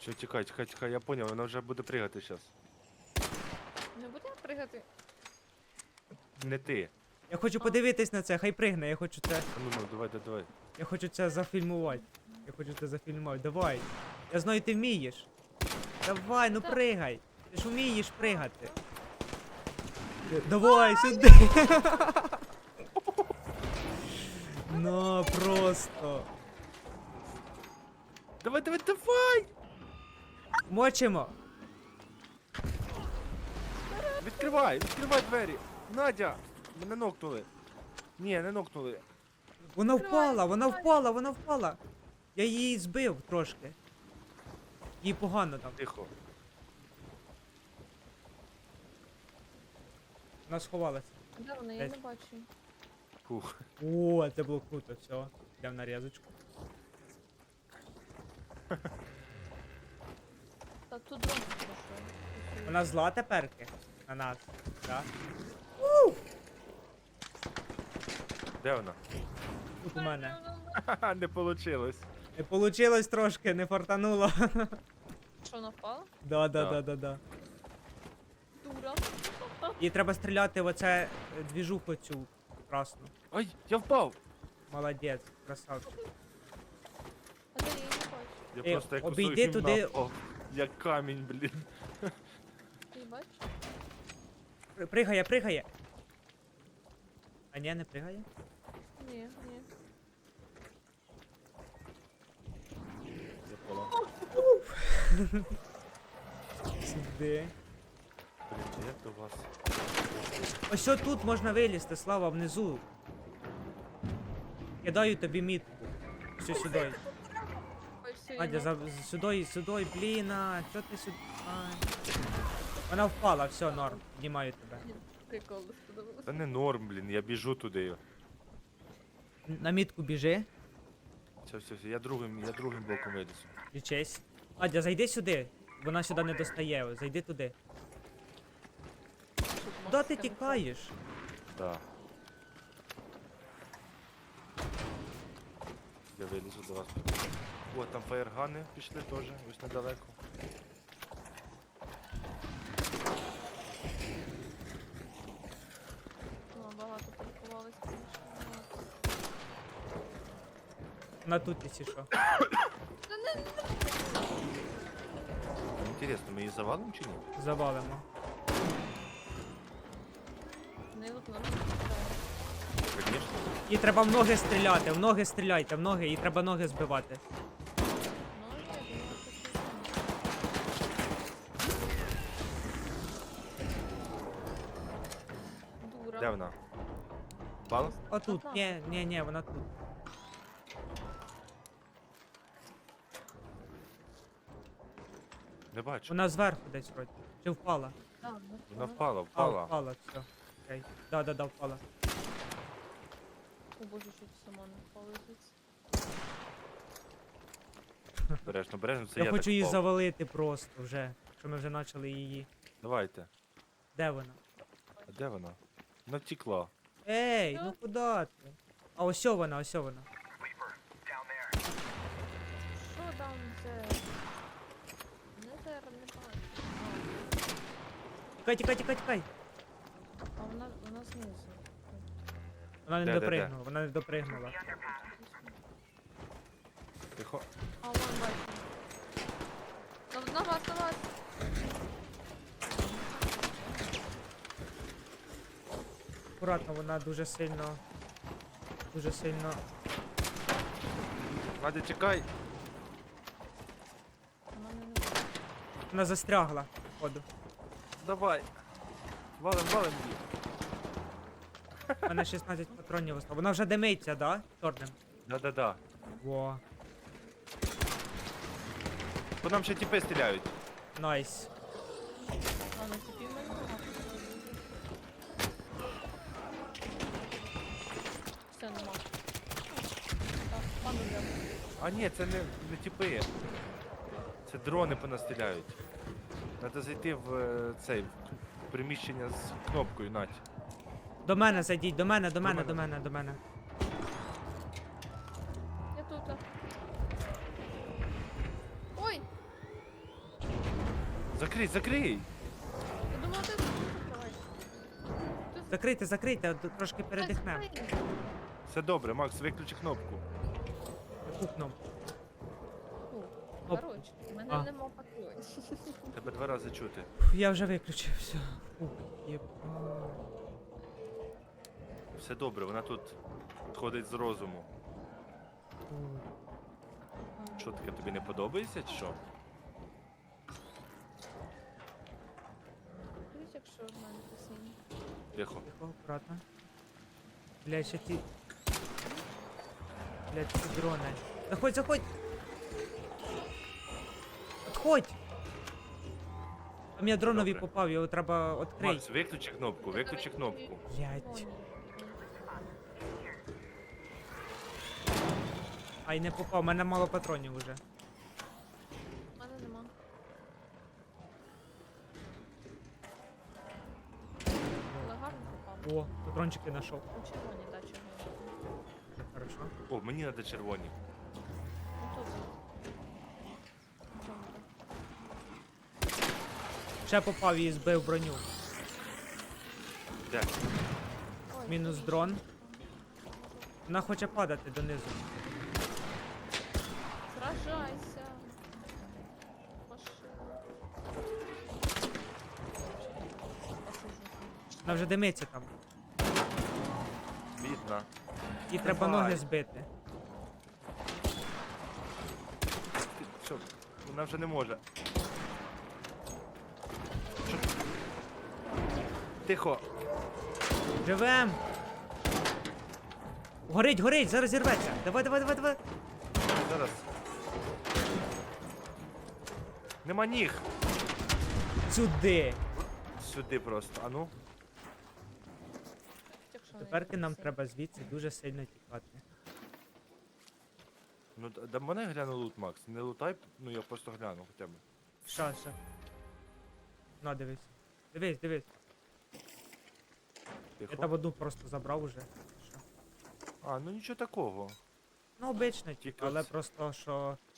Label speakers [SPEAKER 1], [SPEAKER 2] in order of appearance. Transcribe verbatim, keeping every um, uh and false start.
[SPEAKER 1] Все, тікай, тікай, тікай, я поняв, вона вже буде пригати зараз.
[SPEAKER 2] Не буде пригати?
[SPEAKER 1] Не ти.
[SPEAKER 3] Я хочу подивитись на це, хай пригне, я хочу це.
[SPEAKER 1] А ну, ну, давай, давай, давай.
[SPEAKER 3] Я хочу це зафільмувати. Я хочу це зафільмувати. Давай. Я знаю, ти вмієш. Давай, ну
[SPEAKER 2] Так.
[SPEAKER 3] пригай. Ти ж вмієш пригати. Давай, сюди. Ну, просто.
[SPEAKER 1] Давай, давай, давай!
[SPEAKER 3] Мочимо.
[SPEAKER 1] Відкривай, відкривай двері! Надя! Мене нокнули. Ні, не нокнули.
[SPEAKER 3] Вона
[SPEAKER 2] Відкривай,
[SPEAKER 3] впала, вона
[SPEAKER 2] відкривай.
[SPEAKER 3] впала, вона впала. Я її збив трошки. Їй погано там.
[SPEAKER 1] Тихо.
[SPEAKER 3] Вона сховалася.
[SPEAKER 2] Де вона? Я
[SPEAKER 3] Десь.
[SPEAKER 2] не бачу.
[SPEAKER 1] Фух.
[SPEAKER 3] О, це було круто, все. Йдемо на різочку.
[SPEAKER 2] Та тут дрон пройшов.
[SPEAKER 3] Вона зла теперки на нас. Так?
[SPEAKER 1] Де вона?
[SPEAKER 3] Тут у мене.
[SPEAKER 1] Ха-ха, не получилось.
[SPEAKER 3] Не получилось трошки, не фартануло.
[SPEAKER 2] Що, вона впала?
[SPEAKER 3] Да, да,
[SPEAKER 1] Да.
[SPEAKER 3] да, да, да.
[SPEAKER 2] Дура.
[SPEAKER 3] Їй треба стріляти в оце е, двіжуху цю красну.
[SPEAKER 1] Ай, я впав!
[SPEAKER 3] Молодець, красавчик.
[SPEAKER 2] А де я її не бачу?
[SPEAKER 1] Я
[SPEAKER 3] Е,
[SPEAKER 1] просто як
[SPEAKER 3] обійди
[SPEAKER 1] кусок
[SPEAKER 3] туди.
[SPEAKER 1] гімна впав. Як камінь, блін.
[SPEAKER 2] Ти її бачиш?
[SPEAKER 3] При- Пригає, пригає. А ні, не пригає.
[SPEAKER 2] Ні, ні.
[SPEAKER 1] Я понял.
[SPEAKER 3] Сюди.
[SPEAKER 1] Блін, як до вас?
[SPEAKER 3] Ось що тут можна вилізти, Слава, внизу. Кидаю тобі мітку. Все сюди.
[SPEAKER 2] Ой, все, я
[SPEAKER 3] Надя,
[SPEAKER 2] нок-
[SPEAKER 3] за, сюди, сюди, блін, а, що ти сюди? Ай. Вона впала, все, норм, піднімаю тебе.
[SPEAKER 2] Прикол сподобався.
[SPEAKER 1] Та не норм, блін, я біжу туди.
[SPEAKER 3] На мітку біжи,
[SPEAKER 1] Все, все, все, я другим, я другим боком вилізу.
[SPEAKER 3] лічись. Надя, зайди сюди, вона сюди не достає, зайди туди. Куди ти тікаєш?
[SPEAKER 1] Да. Я вилізу до вас. О, там фаєргани пішли теж, ось недалеко.
[SPEAKER 2] Ну, багато паркувались, звісно.
[SPEAKER 3] Вона тут, якщо що.
[SPEAKER 1] Інтересно, ми її завалимо чи ні?
[SPEAKER 3] Завалимо.
[SPEAKER 2] Не от нам.
[SPEAKER 1] Звісно.
[SPEAKER 3] Їй треба в ноги стріляти, в ноги стріляйте, в ноги, їй треба ноги збивати.
[SPEAKER 2] Ну, я думала, що Дура.
[SPEAKER 1] Де вона? Впала?
[SPEAKER 3] Отут,
[SPEAKER 2] Ага.
[SPEAKER 3] ні, ні, ні, вона тут.
[SPEAKER 1] Не бачу.
[SPEAKER 3] Вона зверху десь вроді. Чи впала?
[SPEAKER 2] А, ну,
[SPEAKER 1] Вона впала,
[SPEAKER 3] А,
[SPEAKER 1] впала.
[SPEAKER 3] впала, все. Окей. Да, да, да, впала.
[SPEAKER 2] О боже, що ти сама не впала звідси.
[SPEAKER 1] Бережно, бережно, це
[SPEAKER 3] Я
[SPEAKER 1] я
[SPEAKER 3] хочу
[SPEAKER 1] так
[SPEAKER 3] її
[SPEAKER 1] впав.
[SPEAKER 3] завалити просто вже. Що ми вже почали її.
[SPEAKER 1] Давайте.
[SPEAKER 3] Де вона?
[SPEAKER 1] А де вона? Вона втекла.
[SPEAKER 3] Ей,
[SPEAKER 2] Що?
[SPEAKER 3] ну куди ти? А ось вона, ось вона.
[SPEAKER 2] Що там це? Не тер, не бачу.
[SPEAKER 3] Тікай, тікай, тікай, тікай.
[SPEAKER 2] А вона, вона знизу.
[SPEAKER 3] Вона не
[SPEAKER 1] Де, де, де?
[SPEAKER 3] допригнула, вона не допригнула.
[SPEAKER 1] Тихо.
[SPEAKER 2] А вон бачу. На, на вас, на вас.
[SPEAKER 3] Акуратно, вона дуже сильно. Дуже сильно.
[SPEAKER 1] Надя, чекай.
[SPEAKER 2] Вона мене не бачить.
[SPEAKER 3] Вона застрягла, походу.
[SPEAKER 1] Давай. Валим, валим її.
[SPEAKER 3] У мене шістнадцять патронів осталось. Вона вже димиться, да? Чорним.
[SPEAKER 1] Да-да-да.
[SPEAKER 3] Во.
[SPEAKER 1] По нам ще тіпи стріляють.
[SPEAKER 3] Найс.
[SPEAKER 2] А, на тіпі в мене нема. Все, нема. Так, пану де.
[SPEAKER 1] А ні, це не, не тіпи. Це дрони по нас стріляють. Треба зайти в е, цей в приміщення з кнопкою, Надь.
[SPEAKER 3] До мене зайдіть, до мене, до мене,
[SPEAKER 1] мене.
[SPEAKER 3] до мене, до мене.
[SPEAKER 2] Я тут. Ой!
[SPEAKER 1] Закрий, закрий!
[SPEAKER 2] Я думала, ти закривай. Ти
[SPEAKER 3] Закрийте, закрийте, от трошки передихнемо.
[SPEAKER 2] закрий.
[SPEAKER 1] Все добре, Макс, виключи кнопку.
[SPEAKER 3] Яку кнопку?
[SPEAKER 2] Фу,
[SPEAKER 3] Оп.
[SPEAKER 2] Коротше, в мене
[SPEAKER 3] А.
[SPEAKER 2] нема патронів.
[SPEAKER 1] Тебе два рази чути.
[SPEAKER 3] Фух, я вже виключив, все. Фух, єба.
[SPEAKER 1] Все добре, вона тут ходить з розуму.
[SPEAKER 3] Фух.
[SPEAKER 1] Що таке, тобі не подобається чи що?
[SPEAKER 2] Дивись, якщо в мене постійно.
[SPEAKER 1] Тихо.
[SPEAKER 3] Тихо, аккуратно. Блядь, ще ті... Блядь, ці дрони. Заходь, заходь! Отходь! Там я дронові
[SPEAKER 1] Добре.
[SPEAKER 3] попав, його треба відкрити.
[SPEAKER 1] Макс, виключи кнопку, виключи кнопку.
[SPEAKER 3] Блядь. Ай, не попав, у мене мало патронів уже.
[SPEAKER 2] У мене нема. Але гарно попав.
[SPEAKER 3] О, патрончики знайшов.
[SPEAKER 2] У червоні, так, червоні.
[SPEAKER 3] Хорошо.
[SPEAKER 1] О, мені треба червоні.
[SPEAKER 2] Ну тут. В чому ти?
[SPEAKER 3] Ще попав і збив броню.
[SPEAKER 1] Де?
[SPEAKER 2] Ой,
[SPEAKER 3] Мінус
[SPEAKER 2] навіщо?
[SPEAKER 3] дрон. Вона хоче падати донизу.
[SPEAKER 2] Сражайся. Машина.
[SPEAKER 3] Вона вже димиться там.
[SPEAKER 1] Бідна.
[SPEAKER 3] Їй треба
[SPEAKER 1] Давай.
[SPEAKER 3] ноги збити.
[SPEAKER 1] Ти- Що? Вона вже не може. Що? Тихо.
[SPEAKER 3] Живем! Горить, горить, зараз зірветься. Давай, давай, давай, давай.
[SPEAKER 1] Зараз. Нема ніг.
[SPEAKER 3] Сюди.
[SPEAKER 1] Сюди просто. А ну.
[SPEAKER 2] Якщо
[SPEAKER 3] Тепер
[SPEAKER 2] не
[SPEAKER 3] нам
[SPEAKER 2] сильно.
[SPEAKER 3] треба звідси дуже сильно тікати.
[SPEAKER 1] Ну, д- да мене гляну лут, Макс. Не лутай, ну я просто гляну хоча б.
[SPEAKER 3] Що, що? На, дивись. Дивись, дивись. Я
[SPEAKER 1] Тихо.
[SPEAKER 3] там одну просто забрав уже. Що?
[SPEAKER 1] А, ну нічого такого.
[SPEAKER 3] Ну, обично,
[SPEAKER 1] Тільки
[SPEAKER 3] але
[SPEAKER 1] оце.
[SPEAKER 3] просто, що